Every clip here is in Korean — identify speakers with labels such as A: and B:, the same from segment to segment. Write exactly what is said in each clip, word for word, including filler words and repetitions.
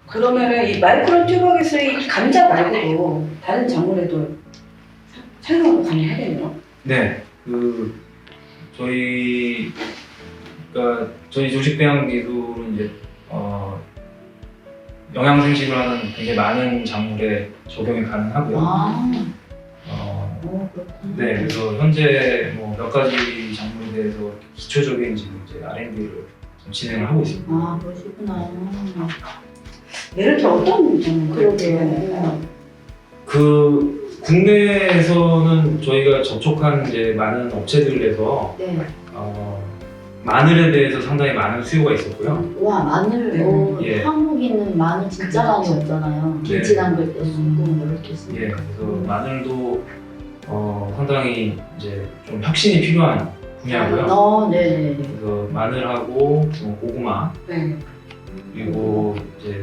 A: 그러면은 이 마이크로 튜버 기술이 이 감자 말고도 다른 작물에도 사용하고 가능하겠네요.
B: 네, 그 저희 그러니까 저희 조직배양 기술은 이제 어, 영양 생식을 하는 굉장히 많은 작물에 적용이 가능하고요.
A: 아,
B: 어,
A: 오, 그렇구나.
B: 네, 그래서 현재 뭐 몇 가지 작물에 대해서 기초적인 지금 이제 알 앤 디를 좀 진행을 하고 있습니다.
A: 아, 그러시구나. 예를 들어 어떤 작물을 대응할까요?
B: 그 국내에서는 저희가 접촉한 이제 많은 업체들에서
A: 네.
B: 어, 마늘에 대해서 상당히 많은 수요가 있었고요.
C: 와 마늘,
A: 네.
C: 어,
B: 예.
C: 한국인은 마늘 진짜 많이 먹잖아요.
B: 네.
C: 김치 담글 때 쓰고 이렇게 쓰고.
B: 예, 그래서 마늘도 어, 상당히 이제 좀 혁신이 필요한 분야고요.
C: 어, 네.
B: 그래서 마늘하고 뭐 고구마
A: 네.
B: 그리고 이제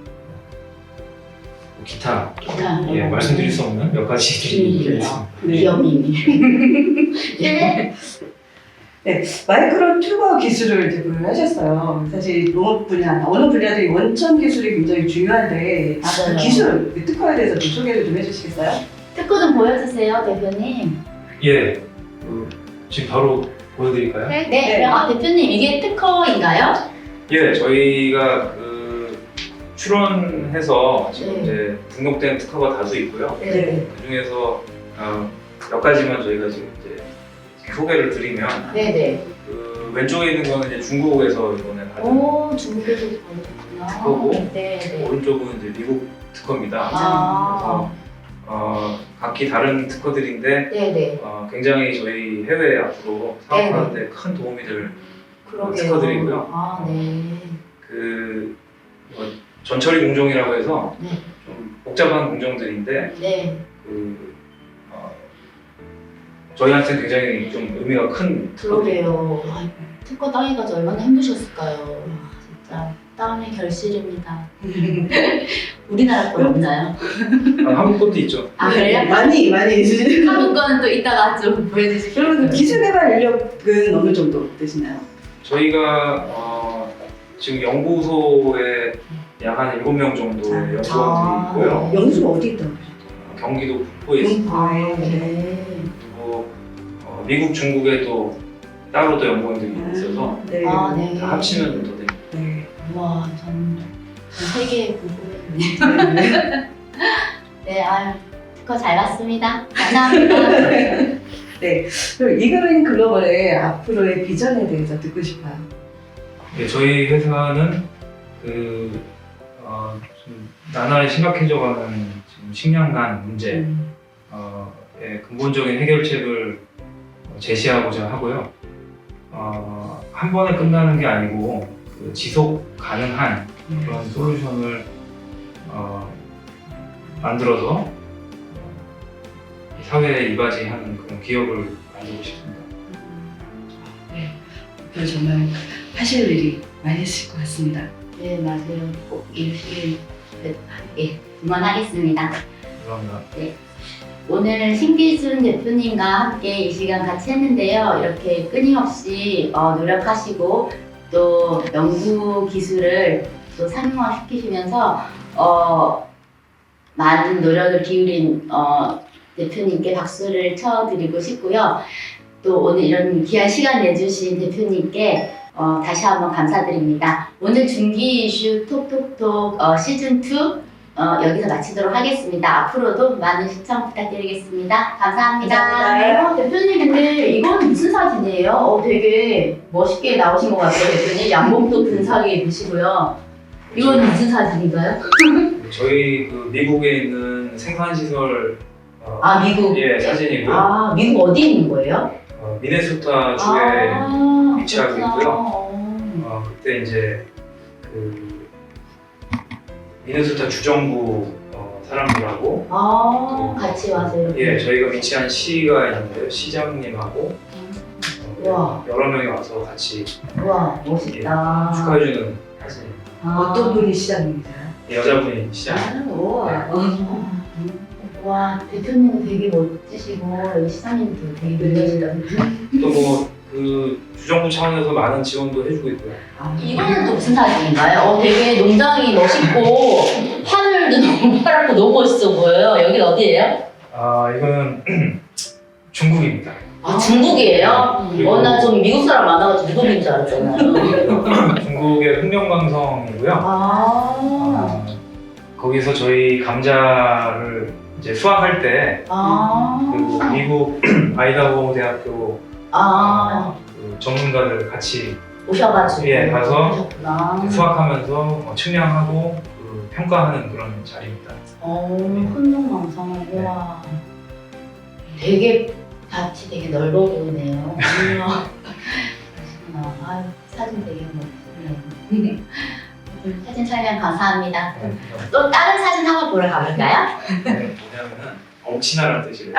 B: 뭐 기타
C: 기타.
B: 예, 말씀드릴 수 없는 몇 가지들이
C: 음,
B: 있습니다.
A: 네.
C: 기업님이. 예.
A: 네, 마이크로 튜버 기술을 대부분 하셨어요. 사실 농업 분야, 어느 분야도 이 원천 기술이 굉장히 중요한데 그
C: 맞아요.
A: 기술, 그 특허에 대해서 좀 소개를 좀 해주시겠어요?
C: 특허 좀 보여주세요, 대표님.
B: 예, 그, 지금 바로 보여드릴까요?
C: 네.
A: 네.
C: 아 대표님 이게 특허인가요?
B: 예, 저희가 그 출원해서 지금
C: 네.
B: 이제 등록된 특허가 다수 있고요.
A: 네.
B: 그 중에서 어, 몇 가지만 저희가 지금 이제 소개를 드리면
C: 네네.
B: 그 왼쪽에 있는 거는 이제 중국에서 이번에 받은
C: 오 중국에서 받으셨구나.
B: 특허고
C: 네네.
B: 오른쪽은 이제 미국 특허입니다.
C: 아.
B: 그래서 어, 각기 다른 특허들인데
C: 네네.
B: 어, 굉장히 저희 해외 앞으로 사업하는데 큰 도움이 될
C: 그러게요.
B: 특허들이고요.
C: 아 네.
B: 그 어, 전처리 공정이라고 해서
C: 네.
B: 좀 복잡한 공정들인데
C: 네.
B: 그 어, 저희한테 굉장히 좀 의미가 큰 특허들이에요.
C: 그러게요. 아, 특허 따기가 얼마나 힘드셨을까요? 와, 진짜 땀의 결실입니다. 우리나라 건 없나요?
B: 아, 한국 것도 있죠.
C: 아 그래요?
A: 많이 많이 해주시는.
C: 한국 거는 또 이따가 좀 보여주시죠.
A: 그러면 그 기술 개발 인력은 어느 정도 되시나요?
B: 저희가 어, 지금 연구소에 약 한 일곱 명 정도
A: 아,
B: 연구원들이
C: 아.
B: 있고요.
A: 영수가 어디 있다고 그러셨죠?
B: 경기도 북부에 있습니다.
C: 아
A: 네.
C: 네.
B: 그리고 어, 미국, 중국에 또 따로 또 연구원들이 있어서
A: 네.
C: 아 네.
B: 다 합치면 더 됩니다.
A: 네.
C: 와, 전, 전 세계에 궁금했네.
A: 네.
C: 네, 아유, 특허 잘 봤습니다. 감사합니다.
A: 그럼 이그린 글로벌의 앞으로의 비전에 대해서 듣고 싶어요.
B: 네, 저희 회사는 그 어, 좀 나날이 심각해져가는 지금 식량난 문제
A: 음.
B: 어, 의 근본적인 해결책을 제시하고자 하고요. 어, 한 번에 끝나는 게 아니고 그 지속 가능한 그런 솔루션을 어, 만들어서 어, 사회에 이바지하는 그런 기업을 만들고 싶습니다.
A: 네. 앞으로 정말 하실 일이 많이 있을 것 같습니다.
C: 네, 맞아요. 꼭 이루시길 예, 응원하겠습니다.
B: 감사합니다.
C: 오늘 신기순 대표님과 함께 이 시간 같이 했는데요. 이렇게 끊임없이 어, 노력하시고 또 연구 기술을 또 상용화시키시면서 어, 많은 노력을 기울인 어, 대표님께 박수를 쳐드리고 싶고요. 또 오늘 이런 귀한 시간 내주신 대표님께 어, 다시 한번 감사드립니다. 오늘 중기 이슈 톡톡톡 어, 시즌 투 어, 여기서 마치도록 하겠습니다. 앞으로도 많은 시청 부탁드리겠습니다. 감사합니다.
A: 감사합니다.
C: 어, 대표님 근데 이건 무슨 사진이에요? 어, 되게 멋있게 나오신 것 같아요. 대표님 양복도 근사하게 입으시고요. 이건 무슨 사진인가요?
B: 저희 그 미국에 있는 생산시설 어,
C: 아 미국.
B: 예, 사진이고요.
C: 아 미국 어디 있는 거예요?
B: 어, 미네소타 주에
C: 아,
B: 위치하고
C: 그렇구나.
B: 있고요.
C: 어.
B: 어, 그때 이제 그 미네소타 주정부 어, 사람들하고
C: 아 같이 와서 이렇게.
B: 예, 저희가 위치한 시가 있는데요. 시장님하고 어,
C: 와.
B: 여러 명이 와서 같이
C: 와 멋있다.
B: 축하해주는 사진입니다.
C: 아.
A: 어떤 분이 시장입니다.
B: 여자분이 시장.
A: 아, 우와.
C: 와 대표님도 되게 멋지시고 여기 시장님도 되게 멋지다.
B: 또 뭐 그 주정부 차원에서 많은 지원도 해주고 있고요.
C: 이거는 또 무슨 사진인가요? 어, 되게 농장이 멋있고 하늘도 너무 파랗고 너무 멋있어 보여요. 여긴 어디예요?
B: 아 이거는 중국입니다.
C: 아, 중국이에요?
B: 그리고
C: 어, 나 좀 미국 사람 많아가지고 미국인 줄 알았잖아요.
B: 중국의 흑명강성이고요.
C: 아,
B: 아, 거기서 저희 감자를 이제 수확할 때
C: 아,
B: 그 미국 아이다호 대학교
C: 아,
B: 그 전문가들 같이
C: 오셔가지고.
B: 예, 가서
C: 오셨구나.
B: 수확하면서 뭐 측량하고 그 평가하는 그런 자리입니다.
C: 어, hun명망성. 우와. 되게 밭이 되게 넓어 보이네요. 우와. 그러시구나. 아유, 사진 되게 멋지네요. 오늘 사진 촬영 감사합니다. 또 다른 사진 한번 보러 가볼까요?
B: 뭐냐면은 엄친아라는 뜻이에요.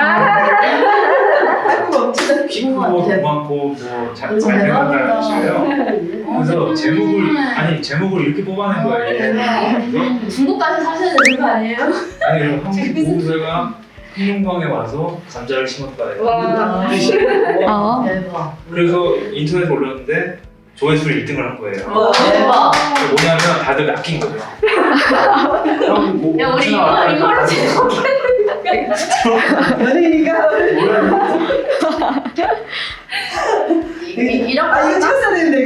A: 멋지다.
B: 키 크고
C: 우와, 대박.
B: 고맙고 뭐잘
C: 너무
B: 된다는
C: 대박이다.
B: 뜻이에요. 그래서 제목을 아니 제목을 이렇게 뽑아낸 거예요. 그래서
C: 중국까지 사셔야 되는 거 아니에요?
B: 아니 그럼 한국 보호세가 흑룡강에 와서 감자를 심었다.
A: 와.
D: 어.
C: 대박.
B: 그래서 인터넷에 올렸는데 조회수를 일 등을 한 거예요.
A: 와.
C: 대박.
B: 그게 뭐냐면 다들 낚인 거죠. 형, 뭐,
C: 야, 우리
B: 엄친아
C: 이거, 이거로 제목
A: 연예인이가
C: 이- 이렇게
A: 아 이거 찍었어야 되는데